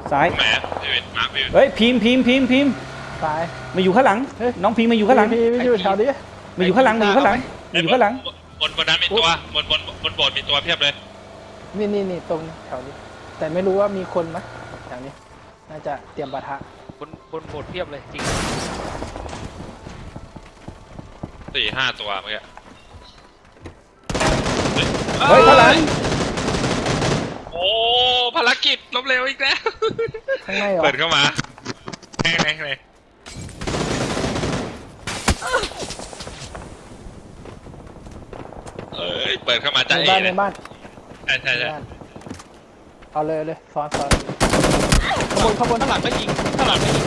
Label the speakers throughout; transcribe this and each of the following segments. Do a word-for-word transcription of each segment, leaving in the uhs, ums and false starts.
Speaker 1: ซ้าย
Speaker 2: แหมพี่วินมาพี่วิน
Speaker 1: เฮ้ยพิมพ์พิมพ์พิมพ์พิมพ์
Speaker 3: ตาย
Speaker 1: มาอยู่ข้างหลังน้องพิมพ์มาอยู่ข้างหลัง
Speaker 3: พี่พี่อยู่แถวนี้
Speaker 1: มาอยู่ข้างหลังมาอยู่ข้างหลังมาอยู่ข้างหลัง
Speaker 2: บนบนนั้นมีตัวบนบนบนโบสถ์มีตัวเพียบเลย
Speaker 3: นี่นี่นี่ตรงแถวนี้ แต่ไม่รู้ว่ามีคนไหมแถวนี้ น่าจะเตรียมปะทะ
Speaker 4: บนบนโบสถ์เพียบเลยจริง
Speaker 2: สี่ห้าตัวเมื่อกี้
Speaker 1: เฮ้ยข้างหลัง
Speaker 2: โอ้ภารกิจล้มเหลวอีกแล้ว
Speaker 3: ข้างในเหรอ
Speaker 2: เปิดเข้ามาแห้งแห้งเลยเอ้ยเปิดเข้ามา
Speaker 3: ใน
Speaker 2: จะเอ
Speaker 3: บ้าน
Speaker 2: เล
Speaker 3: ใน
Speaker 2: ย
Speaker 3: บ้าน
Speaker 2: ใช่ใช่
Speaker 3: ใน
Speaker 2: ใช่
Speaker 3: บ้านเอาเลยเอาเลยซ้อนซ้อนขบวนขบวน
Speaker 4: ข้างหลังก็ยิงข้างหลังก็ยิง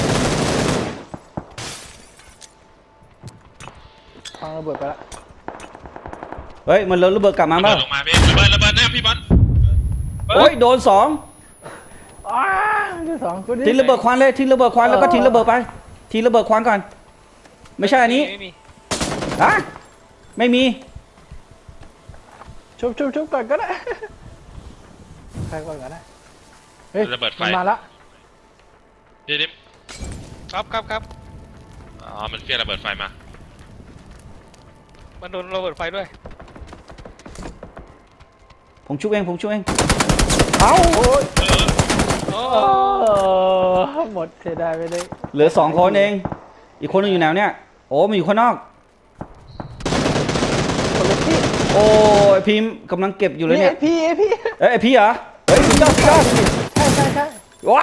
Speaker 3: ฟังระเบิดไปละ
Speaker 1: เฮ้ยมันระเบิดกลับมา
Speaker 2: ระ
Speaker 1: เป
Speaker 2: เบิ
Speaker 1: ล่า
Speaker 2: ดลงมาพี่ระเบิดระเบิดหน้าพี่บอล
Speaker 1: โอ้ยโดนสอง
Speaker 3: อ้าที่สองกูดิ
Speaker 1: ทิ้งระเบิดควันเลยทิ้งระเบิดควันแล้วก็ทิ้งระเบิดไปทิ้งระเบิดควันก่อนไม่ใช่อันนี้
Speaker 4: ไม่มี
Speaker 1: ฮะไม่มี
Speaker 3: ชุบชุบชุบก่อนก็ได้ใครก่อนก็ได้เฮ้ย
Speaker 2: ระเบิดไฟ
Speaker 3: มันมาละ
Speaker 2: พี่ดิม
Speaker 4: ครับครับครับ
Speaker 2: อ๋อมันเฟี้ยงระเบิดไฟมา
Speaker 4: มันโดนระเบิดไฟด้วย
Speaker 1: ผมชุบเองผมชุบเองเอ้า
Speaker 3: โอ้ย
Speaker 2: เออ
Speaker 4: โอ้
Speaker 3: โอ้หมดเสียดายไปเลย
Speaker 1: เหลือสองคนเองอีกคนนึงอยู่แนวเนี้ยโอ้มันอยู่ข้างนอก
Speaker 3: คนละที่
Speaker 1: โอ้ยพิมพ์กำลังเก็บอยู่เลย
Speaker 3: นี่
Speaker 1: เนี่ย
Speaker 3: ไอพี่ไอพี่
Speaker 1: เอ้ยไอ้พี่เหรอเฮ้ยสุดยอดสุดยอด
Speaker 3: ใช่ใช่ใช่
Speaker 1: ว้า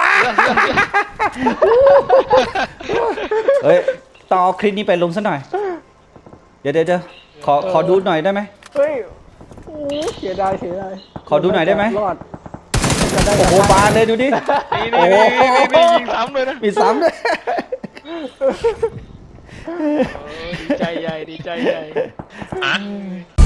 Speaker 1: เฮ้ยต้องเอาคลิปนี้ไปลงซะหน่อยเดี๋ยวเดี๋ยวเดี๋ยวขอขอดูหน่อยได้ไหม
Speaker 3: เฮ้ยโอ้เสียดายเสียดาย
Speaker 1: ขอดูหน่อยได้ไหม
Speaker 3: รอดจะได้
Speaker 1: โอ้โหบานเลยดูดิ
Speaker 4: นี่นี่นี่นี่นี่ยิงซ้ำเลยนะ
Speaker 1: มีซ้ำด้วย
Speaker 4: เออดีใจใหญ่ดีใจใหญ่
Speaker 2: ฮะ